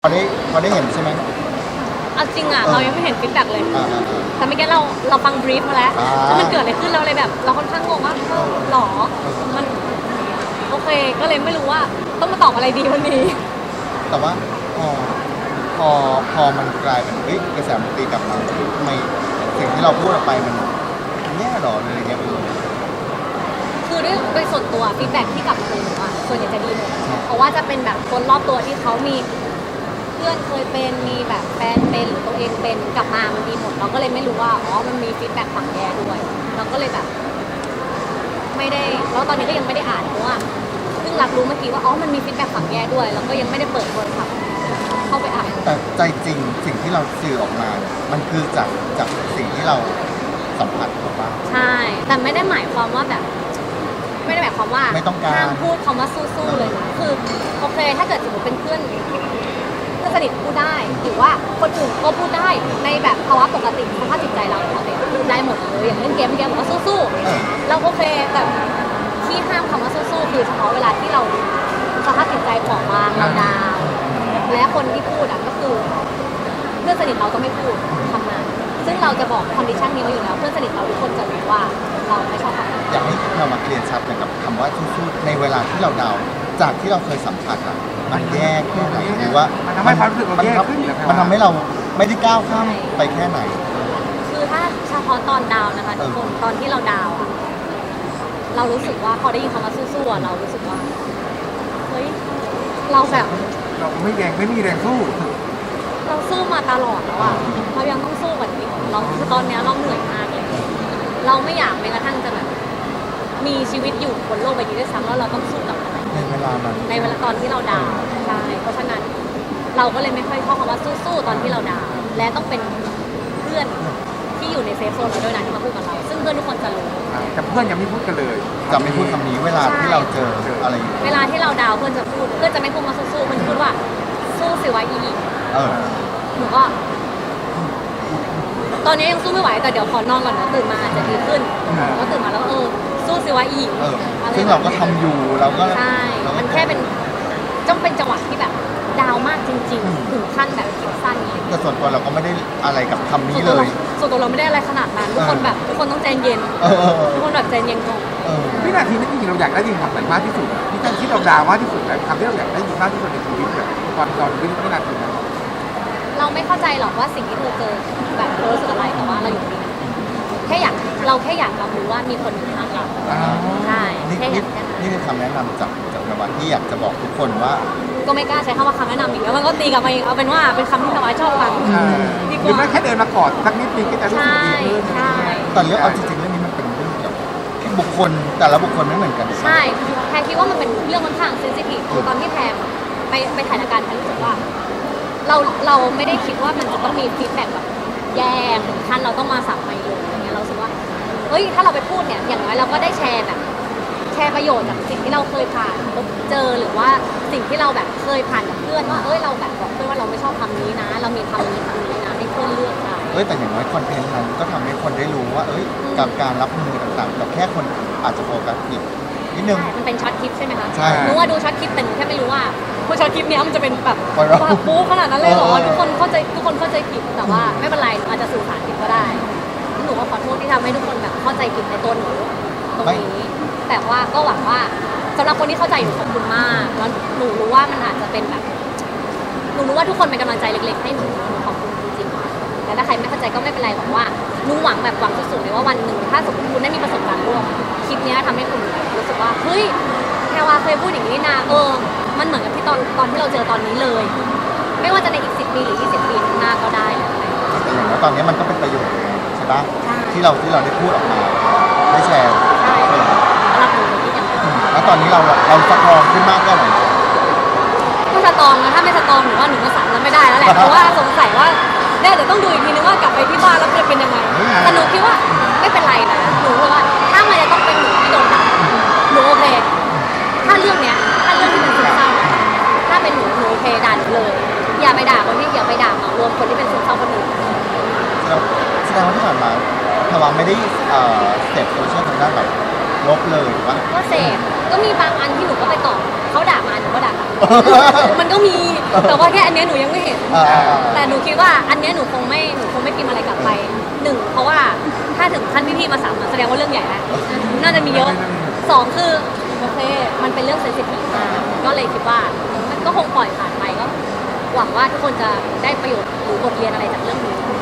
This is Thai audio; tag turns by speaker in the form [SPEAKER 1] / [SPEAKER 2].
[SPEAKER 1] พอได้เห็นใช่ไหม
[SPEAKER 2] เอาจริงอ่ะเรายังไม่เห็นฟีดแบ็กเลย
[SPEAKER 1] อ่า
[SPEAKER 2] แต่เมื่อกี้เราฟังบรีฟมาแล้วว่ามันเกิดอะไรขึ้นเราเลยแบบเราค่อนข้างงงว่าหรอมันโอเคก็เลยไม่รู้ว่าต้องมาตอบอะไรดีวันนี้
[SPEAKER 1] แต่ว่าพอมันกลายเป็นกระแสมันตีกลับมาทำไมสิ่งที่เราพูดออกไปมันแย่หรออะไรเงี้ย
[SPEAKER 2] คือโดยส่วนตัวฟีดแบ็กที่กลับมาเลยว่าส่วนใหญ่จะดีหมดเพราะว่าจะเป็นแบบคนรอบตัวที่เขามีเพื่อนเคยเป็นมีแบบแฟนเป็นหรือตัวเองเป็นกลับมามันดีหมดเราก็เลยไม่รู้ว่ามันมีฟีดแบ็กฝั่งแย่ด้วยเราก็เลยแบบไม่ได้แล้วตอนนี้ก็ยังไม่ได้อ่านเพราะว่าเพิ่งรับรู้เมื่อกี้ว่ามันมีฟีดแบ็กฝั่งแย่ด้วยแล้วก็ยังไม่ได้เปิดโทรศัพท์เข้าไปอ่าน
[SPEAKER 1] แต่ใจจริงสิ่งที่เราสื่อออกมามันคือจากสิ่งที่เราสัมผัสถูกปะ
[SPEAKER 2] ใช่แต่ไม่ได้หมายความว่าแบบไม่ได้หมายความว่า
[SPEAKER 1] ไม่ต้องการ
[SPEAKER 2] ห้ามพูดคำว่าสู้ๆเลยนะคือโอเคถ้าเกิดสมมติเป็นเพื่อนสนิทพูดได้หรือว่าคนอื่นก็พูดได้ในแบบภาวะปกติสภาพจิตใจเราปกติพูดได้หมดเลยอย่างเล่นเกมบอกว่าสู้ๆเราโอเคแต่ที่ห้ามคำว่าสู้ๆคือเฉพาะเวลาที่เราสภาพจิตใจผ่องบางเราดาวและคนที่พูดก็คือเพื่อนสนิทเราก็ไม่พูดทำงานซึ่งเราจะบอกคอนดิชันนี้ไว้อยู่แล้วเพื่อนสนิทเราทุกคนจะรู้ว่าเราไม่ชอบทำงาน
[SPEAKER 1] อยากให้เรามาเคลียร์ชัดกับคำว่าสู้ๆในเวลาที่เราดาวจากที่เราเคยสัมผัสมันแย่แค่ไหนหรือว่า
[SPEAKER 3] มันทำให้ความรู้สึกเราแย่ขึ้น
[SPEAKER 1] มันทำให้เราไม่ได้ก้าวข้ามไปแค่ไหน
[SPEAKER 2] คือถ้าเฉพาะตอนดาวนะคะทุกคนตอนที่เราดาวเรารู้สึกว่าพอได้ยินคำว่าสู้ๆเรารู้สึกว่าเฮ้ยเราแบบ
[SPEAKER 3] เราไม่มีแรงสู้
[SPEAKER 2] เราสู้มาตลอดแล้วเรายังต้องสู้กว่านี้เราคือตอนนี้เราเหนื่อยมากเลยเราไม่อยากแม้กระทั่งจะแบบมีชีวิตอยู่บนโลกใบนี้ด้วยซ้ำแล้วเราต้องสู้กับอะไร
[SPEAKER 1] ในเวลา
[SPEAKER 2] ตอนที่เราดาวใช่เพราะฉะนั้นเราก็เลยไม่ค่อยชอบคำว่าสู้ๆตอนที่เราดาวและต้องเป็นเพื่อนที่อยู่ในเซฟโซนเราด้วยนะที่มาพูดกับเราซึ่งเพื่อนทุกคนจะรู้
[SPEAKER 3] แต่เพื่อนยังไม่พูดกันเลย
[SPEAKER 1] จะไม่พูดคำนี้เวลาที่เราเจออะไร
[SPEAKER 2] เวลาที่เราดาวเพื่อนจะพูดเพื่อนจะไม่พูดมาสู้ๆมันพูดว่าสู้สิวะอีหนูก็ตอนนี้ยังสู้ไม่ไหวแต่เดี๋ยวขอนอนก่อนนะตื่นมาอาจจะดีขึ้นก็ตื่นมาแล้วสู้สิวะอี
[SPEAKER 1] ซึ่งเราก็ทำอยู่เราก็
[SPEAKER 2] ใช่มันแค่เป็นจ้องเป็นจังหวะที่แบบดาวมากจริงๆถึงขั้นแบบคิดสั้นเลย
[SPEAKER 1] แต่ส่วนตัวเราก็ไม่ได้อะไรกับคำนี้เลย
[SPEAKER 2] ส่วนตัวเราไม่ได้อะไรขนาดนั้นทุกคนต้องใจเย็นทุกคนแบบใจเย็นก่อน
[SPEAKER 3] วินาทีนั้นจริงๆเราอยากได้ยินคำไหนมากที่สุดที่เราดาวมากที่สุดแบบคำที่เราอยากได้ยินมากที่สุดในชีวิตแบบตอนวินาทีนั้น
[SPEAKER 2] เราไม่เข้าใจหรอกว่าสิ่งที่เธอเจอแบบเธอรู้สึกอะไรแต่ว่าเราอยู่นี่เราแค่อยากรับรู้ว่ามีคนอยู่ข้างเราใช่แค่อยาก
[SPEAKER 1] นี่คือคำแนะนำจากนวัดที่อยากจะบอกทุกคนว่า
[SPEAKER 2] ก็ไม่กล้าใช้คำว่าคำแนะนำอีกแล้วมันก็ตีกลับมาอีกเอาเป็นว่าเป็นคำที่นวัดชอบฟัง
[SPEAKER 3] ดีกว่าหรือไม่แค่เดินมากอดสักนิดนึงก็จะรู้สึกดีขึ้น
[SPEAKER 2] ใช่
[SPEAKER 1] แต่เรื่องเอาจริงๆเรื่องนี้มันเป็นเรื่องเกี่ยวกับบุคคลแต่ละบุคคลไม่เหมือนกัน
[SPEAKER 2] ใช่แพรคิดว่ามันเป็นเรื่องค่อนข้างเซนซิทีฟคือตอนที่แพรไปถ่ายรายการแพรรู้สึกว่าเราไม่ได้คิดว่ามันจะต้องมีฟีดแบ็กแบบแย่ถึงขั้นเราต้องมาสั่งไปเลยอย่างเงี้ยเราสึกว่าเฮ้ยถ้าเราไปพูดเนี่ยอย่างน้อยเราก็ได้แชร์ประโยชน์จากสิ่งที่เราเคยผ่านพบเจอหรือว่าสิ่งที่เราแบบเคยผ่านกับเพื่อนว่าเราแบบบอกเพื่อนว่าเราไม่ชอบคำนี้นะเรามีคำนี้นะให้เพื่อนเลือกได้
[SPEAKER 1] แต่อย่างน้อยคอนเทนต์นั้นก็ทำให้คนได้รู้ว่ากับการรับมือต่างๆแต่แค่คนอาจจะโฟกัสผิดนิดนึง
[SPEAKER 2] มันเป็นช็อตคลิปใช่ไหมคะ
[SPEAKER 1] ใช่
[SPEAKER 2] หนูว่าดูช็อตคลิปแต่หนูแค่ไม่รู้ว่าพอช็อตคลิปนี้มันจะเป็นแบบปู๊ขนาดนั้นเลยเหรอทุกคนเข้าใจผิดแต่ว่าไม่เป็นไรอาจจะสื่อสารผิดก็ได้หนูก็ขอโทษที่ทำให้ทุกคนแบบเข้าใจผิดในตัวหนูตรงนี้แต่ว่าก็หวังว่าสำหรับคนที่เข้าใจหนูขอบคุณมากแล้วหนูรู้ว่ามันอาจจะเป็นแบบหนูรู้ว่าทุกคนเป็นกำลังใจเล็กๆให้หนูขอบคุณจริงๆแต่ถ้าใครไม่เข้าใจก็ไม่เป็นไรหวังว่าหนูหวังสุดๆเลยว่าวันหนึ่งถ้าสมมติคุณได้มีประสบการณ์ร่วมคลิปนี้ทำให้คุณรู้สึกว่าเฮ้ยแพรวาเคยพูดอย่างนี้นะมันเหมือนกับที่ตอนที่เราเจอตอนนี้เลยไม่ว่าจะในอีก10 ปีหรือ20 ปีข้างหน้าก็ได้
[SPEAKER 1] แต่อย่างว่าตอนนี้มันก็เป็นประโยชน์ใช่ปะที่เราได้พูดออกมาได้แชร์แล้วตอนนี้เราสตรองขึ้นมากแค่ไหน
[SPEAKER 2] ก็สตรองนะถ้าไม่สตรองหนูว่าหนูก็สั่งแล้วไม่ได้แล้วแหละเพราะว่าสงสัยว่าเดี๋ยวต้องดูอีกทีนึงว่ากลับไปที่บ้านแล้วจะเป็นยังไงแต่หนูคิดว่าไม่เป็นไรนะหนูว่าถ้ามันจะต้องเป็นหนูที่โดนด่าหนูโอเคถ้าเรื่องที่เป็นซึมเศร้าถ้าเป็นหนูโอเคด่าหนูเลยอย่าไปด่าคนที่อย่าไปด่าเหมารวมคนที่เป็นซึมเศร้าคนอื่น
[SPEAKER 1] แสดงว่าที่ผ่านมาถ้าว่าไม่ได้เสพโซเชียลทางด้านแบบลบเลยหรือว่า
[SPEAKER 2] ก็เสพก็มีบางอันที่หนูก็ไปตอบเขาด่ามาหนูก็ด่ากลับ มันก็มีแต่ว่าแค่อันเนี้ยหนูยังไม่เห็น แต่หนูคิดว่าอันเนี้ยหนูคงไม่พิมพ์อะไรกลับไปหนึ่งเพราะว่าถ้าถึงขั้นพี่ๆมา3แสดงว่าเรื่องใหญ่แล้วน่าจะมีเยอะสองคือโอเคมันเป็นเรื่องเซนซิทีฟมากก็เลยคิดว่ามันก็คงปล่อยผ่านไปก็หวังว่าทุกคนจะได้ประโยชน์หรือบทเรียนอะไรจากเรื่องนี้